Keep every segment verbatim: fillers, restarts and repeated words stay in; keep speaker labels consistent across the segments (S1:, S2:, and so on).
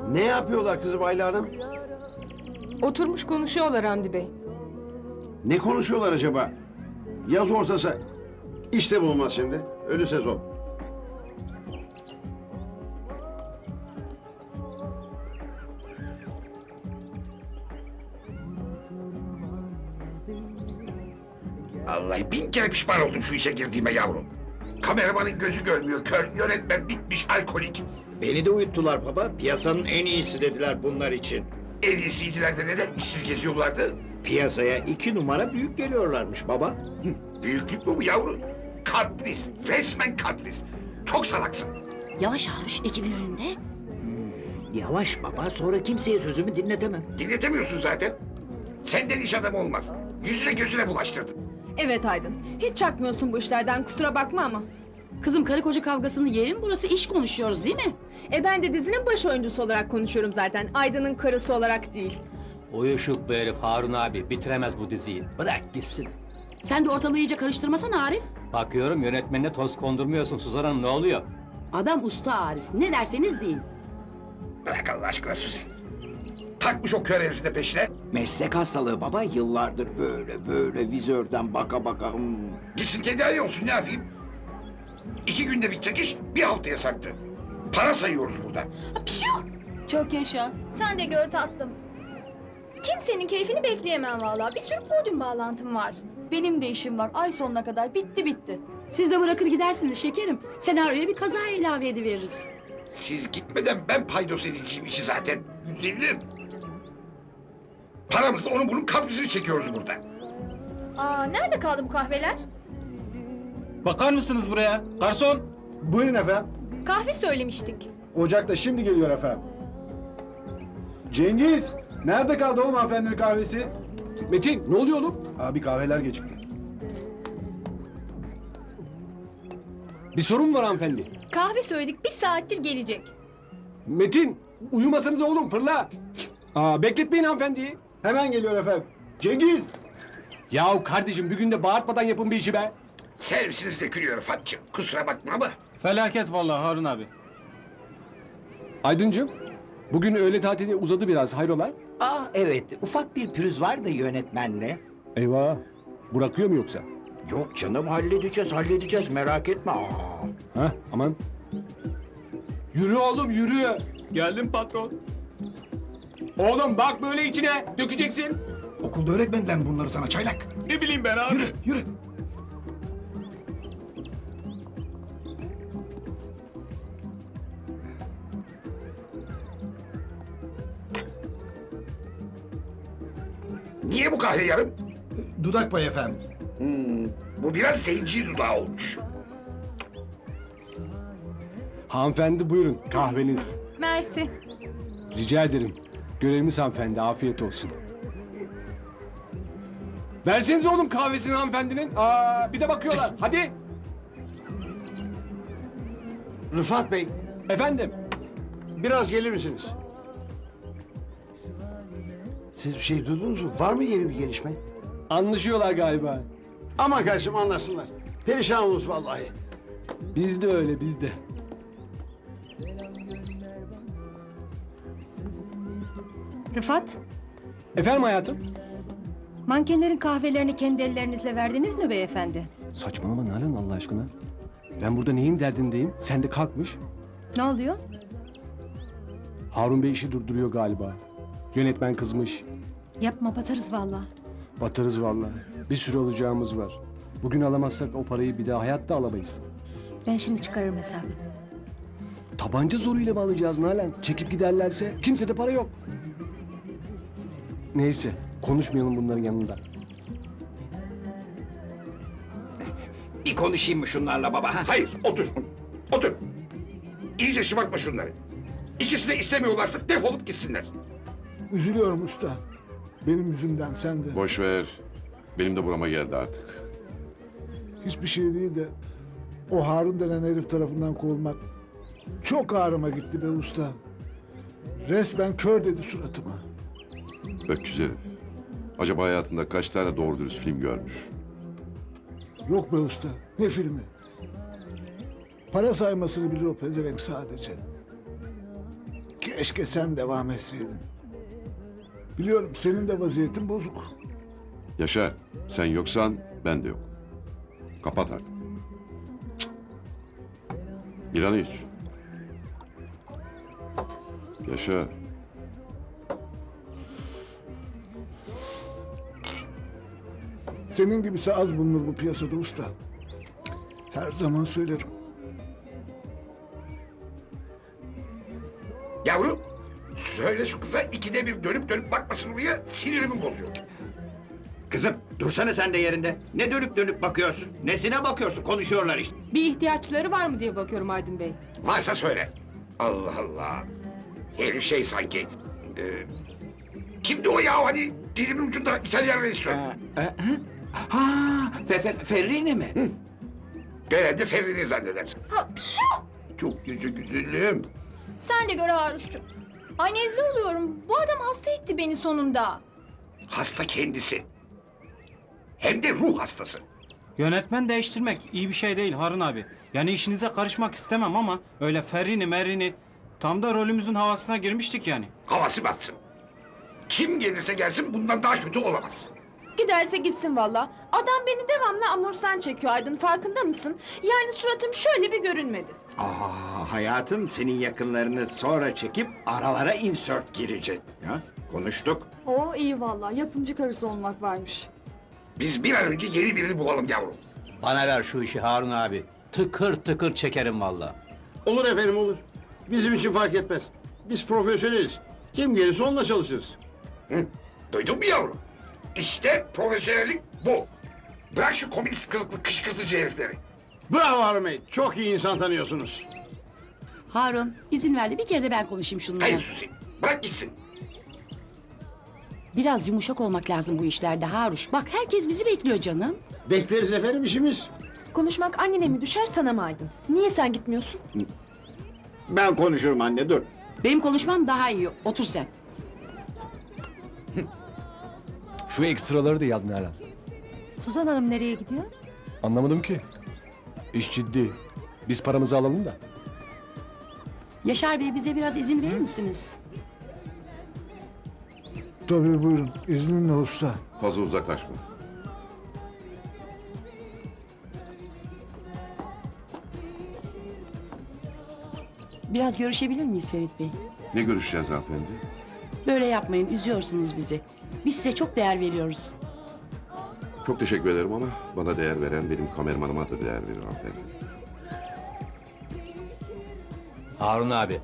S1: Ne yapıyorlar kızım Ayla Hanım?
S2: Oturmuş konuşuyorlar Hamdi Bey.
S1: Ne konuşuyorlar acaba? Yaz ortası. İşte bulmaz şimdi. Ölü sezon.
S3: Vallahi bin kere pişman oldum şu işe girdiğime yavrum. Kameramanın gözü görmüyor, kör, yönetmen bitmiş, alkolik.
S4: Beni de uyuttular baba. Piyasanın en iyisi dediler bunlar için.
S3: En iyisiydiler de neden işsiz geziyorlardı?
S4: Piyasaya iki numara büyük geliyorlarmış baba.
S3: Büyüklük mü bu yavrum? Kapris, resmen kapris. Çok salaksın.
S5: Yavaş Haruş ekibin önünde.
S4: Yavaş baba, sonra kimseye sözümü dinletemem.
S3: Dinletemiyorsun zaten. Senden iş adamı olmaz. Yüzüne gözüne bulaştırdın.
S6: Evet Aydın. Hiç çakmıyorsun bu işlerden, kusura bakma ama.
S5: Kızım karı koca kavgasının yeri mi burası, iş konuşuyoruz değil mi?
S6: E ben de dizinin baş oyuncusu olarak konuşuyorum zaten. Aydın'ın karısı olarak değil.
S7: Uyuşuk bu herif Harun abi, bitiremez bu diziyi. Bırak gitsin.
S5: Sen de ortalığı iyice karıştırmasana Arif.
S7: Bakıyorum yönetmenine toz kondurmuyorsun Suzan Hanım, ne oluyor?
S5: Adam usta Arif, ne derseniz deyin.
S3: Bırak Allah aşkına Suzi. Takmış o kör herifi de peşine.
S4: Meslek hastalığı baba, yıllardır böyle böyle vizörden baka baka. Hmm.
S3: Gitsin tedavi olsun, ne yapayım? İki günde bitecek iş, bir haftaya sarktı. Para sayıyoruz burada.
S6: Çok yaşa. Sen de gör tatlım. Kimsenin keyfini bekleyemem vallahi. Bir sürü podyum bağlantım var. Benim de işim var. Ay sonuna kadar bitti bitti.
S5: Siz de bırakır gidersiniz şekerim. Senaryoya bir kaza ilave ediveririz.
S3: Siz gitmeden ben paydos edeceğim işi zaten. Güzelim. Paramızla onun bunun kaprisini çekiyoruz burada.
S6: Aa, nerede kaldı bu kahveler?
S7: Bakar mısınız buraya? Garson!
S8: Buyurun efendim.
S6: Kahve söylemiştik.
S8: Ocakta şimdi geliyor efendim. Cengiz! Nerede kaldı oğlum hanımefendinin kahvesi?
S9: Metin, ne oluyor oğlum?
S8: Abi kahveler gecikti.
S9: Bir sorun mu var hanımefendi?
S6: Kahve söyledik, bir saattir gelecek.
S9: Metin, uyumasanız oğlum, fırla! Aa, bekletmeyin hanımefendiyi.
S8: Hemen geliyor efendim. Cengiz!
S9: Yahu kardeşim, bir günde bağırtmadan yapın bir işi be!
S3: Servisiniz dökülüyor Rıfat'cığım. Kusura bakma ama.
S7: Felaket vallahi Harun abi.
S9: Aydıncığım, bugün öğle tatili uzadı biraz, hayrola?
S4: Aa evet, ufak bir pürüz var da yönetmenle.
S9: Eyvah, bırakıyor mu yoksa?
S4: Yok canım, halledeceğiz halledeceğiz, merak etme. Aa.
S9: Ha, aman. Yürü oğlum, yürü! Geldim patron. Oğlum bak böyle içine, dökeceksin.
S8: Okulda öğretmediler mi bunları sana çaylak?
S9: Ne bileyim ben abi.
S8: Yürü, yürü.
S3: Niye bu kahve yarım?
S8: Dudak payı efendim.
S3: Hmm, bu biraz zenci dudağı olmuş.
S9: Hanımefendi buyurun, kahveniz.
S6: Mersi.
S9: Rica ederim. Görevimiz hanımefendi, afiyet olsun. Verseniz oğlum kahvesini hanımefendinin. Aa, bir de bakıyorlar. Hadi.
S1: Rıfat Bey,
S9: Efendim.
S1: biraz gelir misiniz? Siz bir şey duydunuz mu? Var mı yeni bir gelişme?
S9: Anlaşıyorlar galiba.
S1: Ama kardeşim anlasınlar. Perişan oluruz vallahi.
S9: Biz de öyle, biz de.
S10: Rıfat,
S9: Efendim hayatım?
S10: mankenlerin kahvelerini kendi ellerinizle verdiniz mi beyefendi?
S9: Saçmalama Nalan Allah aşkına. Ben burada neyin derdindeyim? Sen de kalkmış.
S10: Ne oluyor?
S9: Harun Bey işi durduruyor galiba. Yönetmen kızmış.
S10: Yapma, batarız vallahi.
S9: Batarız vallahi. Bir sürü alacağımız var. Bugün alamazsak o parayı bir daha hayatta alamayız.
S10: Ben şimdi çıkarırım hesabı.
S9: Tabanca zoruyla mı alacağız Nalan? Çekip giderlerse kimsede para yok. Neyse konuşmayalım bunların yanında.
S4: Bir konuşayım mı şunlarla baba? Ha?
S3: Hayır, otur. Otur. İyice şımartma şunları. İkisi de istemiyorlarsa defolup gitsinler.
S8: Üzülüyorum usta. Benim yüzümden sen de.
S11: Boş ver. Benim de burama geldi artık.
S8: Hiçbir şey değil de o Harun denen herif tarafından kovulmak çok ağrıma gitti be usta. Resmen kör dedi suratıma.
S11: Öküz herif. Acaba hayatında kaç tane doğru dürüst film görmüş?
S8: Yok be usta, ne filmi? Para saymasını bilir o pezevenk sadece. Keşke sen devam etseydin. Biliyorum senin de vaziyetin bozuk.
S11: Yaşar, sen yoksan ben de yok. Kapat artık. Cık. İran'ı iç. Yaşar.
S8: Senin gibisi az bulunur bu piyasada usta. Her zaman söylerim.
S3: Yavrum, söyle şu kıza ikide bir dönüp dönüp bakmasın buraya, sinirimi bozuyor.
S4: Kızım dursana sen de yerinde. Ne dönüp dönüp bakıyorsun? Nesine bakıyorsun? Konuşuyorlar işte.
S2: Bir ihtiyaçları var mı diye bakıyorum Aydın Bey.
S3: Varsa söyle. Allah Allah. Herif şey sanki. E, kimdi o ya hani dilimin ucunda İtalyan rejisör?
S4: Ee, e, hı? Ha, fe, fe, Ferrine mi? Hı.
S3: Genelde Ferri'ni zanneder.
S6: Ha, şu!
S3: Çok yüzü güzelim.
S6: Sen de gör Haruş'cum. Ay nezle oluyorum. Bu adam hasta etti beni sonunda.
S3: Hasta kendisi. Hem de ruh hastası.
S12: Yönetmen değiştirmek iyi bir şey değil Harun abi. Yani işinize karışmak istemem ama öyle Ferrini Merrini tam da rolümüzün havasına girmiştik yani.
S3: Havası batsın. Kim gelirse gelsin bundan daha kötü olamaz.
S6: Giderse gitsin valla. Adam beni devamlı amorsan çekiyor Aydın, farkında mısın? Yani suratım şöyle bir görünmedi.
S4: Aa, hayatım senin yakınlarını sonra çekip aralara insert girecek. Ya, konuştuk.
S6: Oo iyi valla, yapımcı karısı olmak varmış.
S3: Biz bir an önce yeni birini bulalım yavrum.
S7: Bana ver şu işi Harun abi. Tıkır tıkır çekerim valla.
S1: Olur efendim olur. Bizim için fark etmez. Biz profesyoneliz. Kim gelirse onunla çalışırız.
S3: Hı? Duydun mu yavrum? İşte profesyonellik bu. Bırak şu komünist kılıklı kışkırtıcı herifleri.
S1: Bravo Harun Bey. Çok iyi insan tanıyorsunuz.
S5: Harun izin ver de bir kere de ben konuşayım şununla.
S3: Hayır Suzi. Bırak gitsin.
S5: Biraz yumuşak olmak lazım bu işlerde Haruş. Bak herkes bizi bekliyor canım.
S1: Bekleriz efendim işimiz.
S6: Konuşmak annene mi düşer sana mı Aydın? Niye sen gitmiyorsun?
S4: Ben konuşurum anne dur.
S5: Benim konuşmam daha iyi. Otur sen.
S9: Şu ekstraları da yaz Nalan.
S10: Suzan Hanım nereye gidiyor?
S9: Anlamadım ki. İş ciddi. Biz paramızı alalım da.
S5: Yaşar Bey bize biraz izin verir misiniz?
S8: Tabii buyurun. İzninle usta.
S11: Fazla uzaklaşma.
S5: Biraz görüşebilir miyiz Ferit Bey?
S11: Ne görüşeceğiz hanımefendi?
S5: Böyle yapmayın, üzüyorsunuz bizi. Biz size çok değer veriyoruz.
S11: Çok teşekkür ederim ama bana değer veren benim kameramanıma da değer verir hanımefendi.
S7: Harun abi.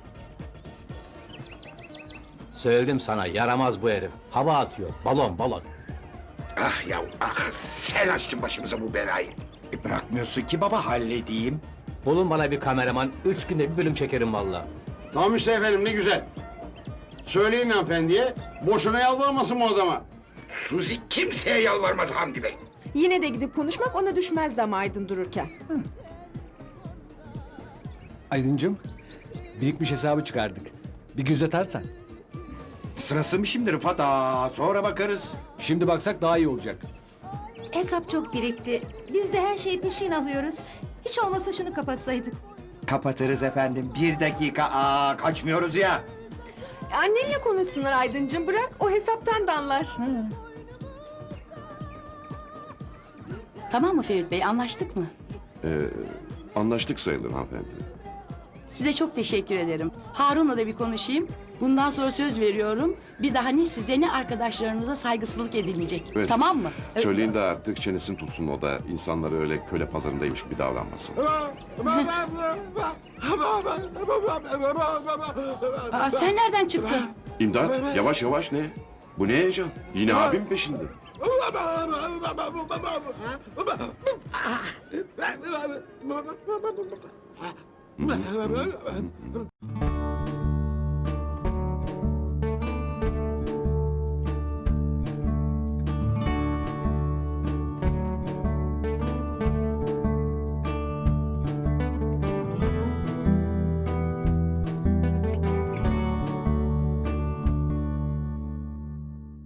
S7: Söyledim sana yaramaz bu herif. Hava atıyor. Balon balon.
S3: Ah yavrum ah. Sen açtın başımıza bu belayı.
S4: E, bırakmıyorsun ki baba halledeyim.
S7: Bulun bana bir kameraman. Üç günde bir bölüm çekerim valla.
S1: Tamam işte efendim ne güzel. Söyleyin hanımefendiye. Boşuna yalvarmasın bu adama.
S3: Suzi kimseye yalvarmaz Hamdi Bey.
S2: Yine de gidip konuşmak ona düşmezdi ama Aydın dururken.
S9: Aydıncığım, birikmiş hesabı çıkardık. Bir göz atarsan.
S4: Sırası mı şimdi Rıfat? Aa, sonra bakarız.
S9: Şimdi baksak daha iyi olacak.
S10: Hesap çok birikti. Biz de her şeyi peşin alıyoruz. Hiç olmasa şunu kapatsaydık.
S4: Kapatırız efendim. Bir dakika. Aa, kaçmıyoruz ya.
S2: Annenle konuşsunlar Aydıncığım, bırak o hesaptan da anlar.
S5: Tamam mı Ferit Bey, anlaştık mı?
S11: Ee, anlaştık sayılır hanımefendi.
S5: Size çok teşekkür ederim. Harun'la da bir konuşayım. Bundan sonra söz veriyorum. Bir daha ne size ne arkadaşlarınıza saygısızlık edilmeyecek.
S11: Evet.
S5: Tamam mı? Ö-
S11: Söyleyin de artık çenesini tutsun o da insanları öyle köle pazarındaymış gibi davranmasın.
S5: Aa, sen nereden çıktın?
S11: İmdat yavaş yavaş ne? Bu ne heyecan? Yine abim peşinde. Hı hı, hı hı, hı hı.